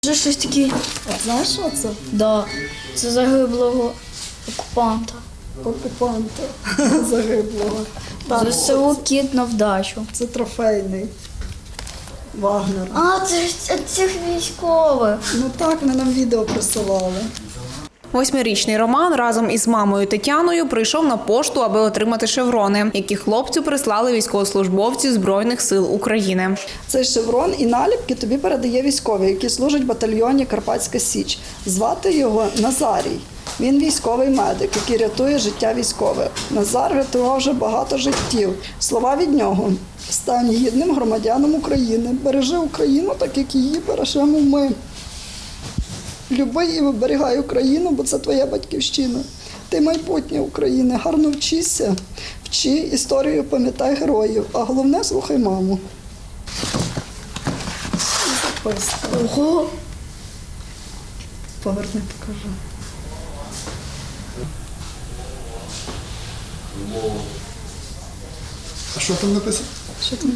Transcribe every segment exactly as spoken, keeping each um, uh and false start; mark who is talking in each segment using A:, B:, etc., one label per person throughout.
A: Вже щось таке.
B: А знаєш, що це?
A: Да. Це загиблого окупанта.
B: Окупанта загиблого. Так,
A: ЗСУ кіт на вдачу.
B: це трофейний Вагнер.
A: А, це ж це цих військових.
B: Ну так, вони нам відео присилали.
C: Восьмирічний Роман разом із мамою Тетяною прийшов на пошту, аби отримати шеврони, які хлопцю прислали військовослужбовці Збройних сил України.
B: Цей шеврон і наліпки тобі передає військовий, який служить в батальйоні Карпатська Січ. Звати його Назарій. Він військовий медик, який рятує життя військових. Назар рятував вже багато життів. Слова від нього: стань гідним громадяном України, бережи Україну, так як її бережемо ми. Люби і виберігай Україну, бо це твоя батьківщина. Ти майбутнє України. Гарно вчися, вчи історію, пам'ятай героїв. А головне, слухай маму. Записка.
A: Ого!
B: Поверни, покажу.
D: А що там написано?
B: Що там?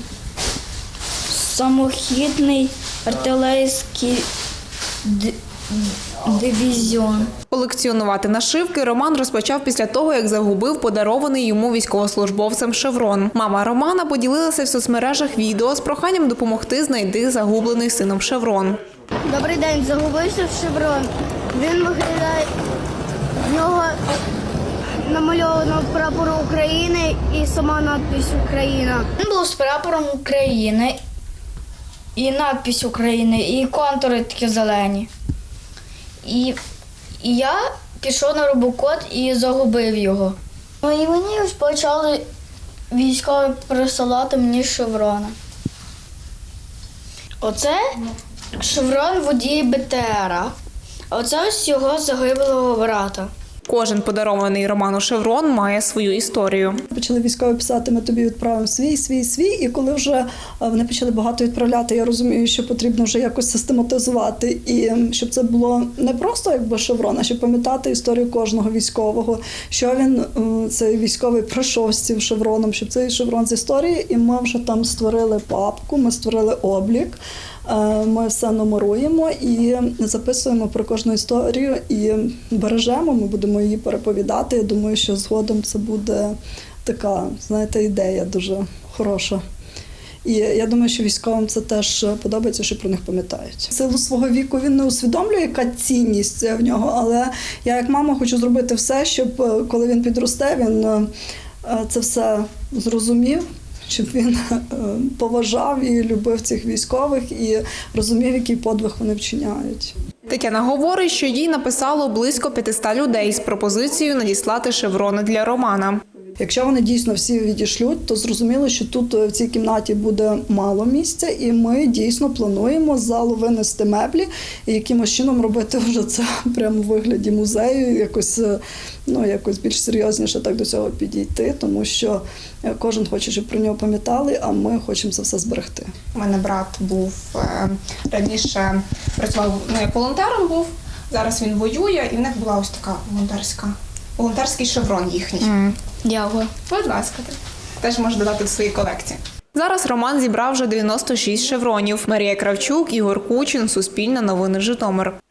A: Самохідний артилерійський д- дивізіон.
C: Колекціонувати нашивки Роман розпочав після того, як загубив подарований йому військовослужбовцем шеврон. Мама Романа поділилася в соцмережах відео з проханням допомогти знайти загублений сином шеврон.
E: Добрий день, загубився шеврон. Він виглядає, в нього намальовано прапор України і сама надпись Україна.
A: Він був з прапором України, і надпись України, і контури такі зелені. І, і я пішов на робокод і загубив його. Ну і мені ось почали військові присилати мені шеврони. Оце шеврон водія Б Т Р, а оце ось його загиблого брата.
C: Кожен подарований Роману шеврон має свою історію.
B: Почали військові писати: ми тобі відправимо свій, свій, свій. І коли вже вони почали багато відправляти, я розумію, що потрібно вже якось систематизувати. І щоб це було не просто якби шеврон, а щоб пам'ятати історію кожного військового, що він, цей військовий, пройшов з цим шевроном, щоб цей шеврон з історії. І ми вже там створили папку, ми створили облік. Ми все номеруємо і записуємо про кожну історію і бережемо, ми будемо її переповідати. Я думаю, що згодом це буде така, знаєте, ідея дуже хороша. І я думаю, що військовим це теж подобається, що про них пам'ятають. В силу свого віку він не усвідомлює, яка цінність в нього, але я як мама хочу зробити все, щоб коли він підросте, він це все зрозумів, щоб він поважав і любив цих військових і розумів, який подвиг вони вчиняють.
C: Тетяна говорить, що їй написало близько п'ятисот людей з пропозицією надіслати шеврони для Романа.
B: Якщо вони дійсно всі відійшлють, то зрозуміло, що тут в цій кімнаті буде мало місця, і ми дійсно плануємо з залу винести меблі і якимось чином робити вже це прямо у вигляді музею, якось, ну, якось більш серйозніше так до цього підійти, тому що кожен хоче, щоб про нього пам'ятали, а ми хочемо це все зберегти.
F: У мене брат був е, раніше працював, ну, як волонтером був, зараз він воює, і в них була ось така волонтерська, волонтерський шеврон їхній.
A: Mm. Дякую.
F: Будь ласка, ти теж можеш додати до своєї колекції.
C: Зараз Роман зібрав вже дев'яносто шість шевронів. Марія Кравчук, Ігор Кучин, Суспільне новини, Житомир.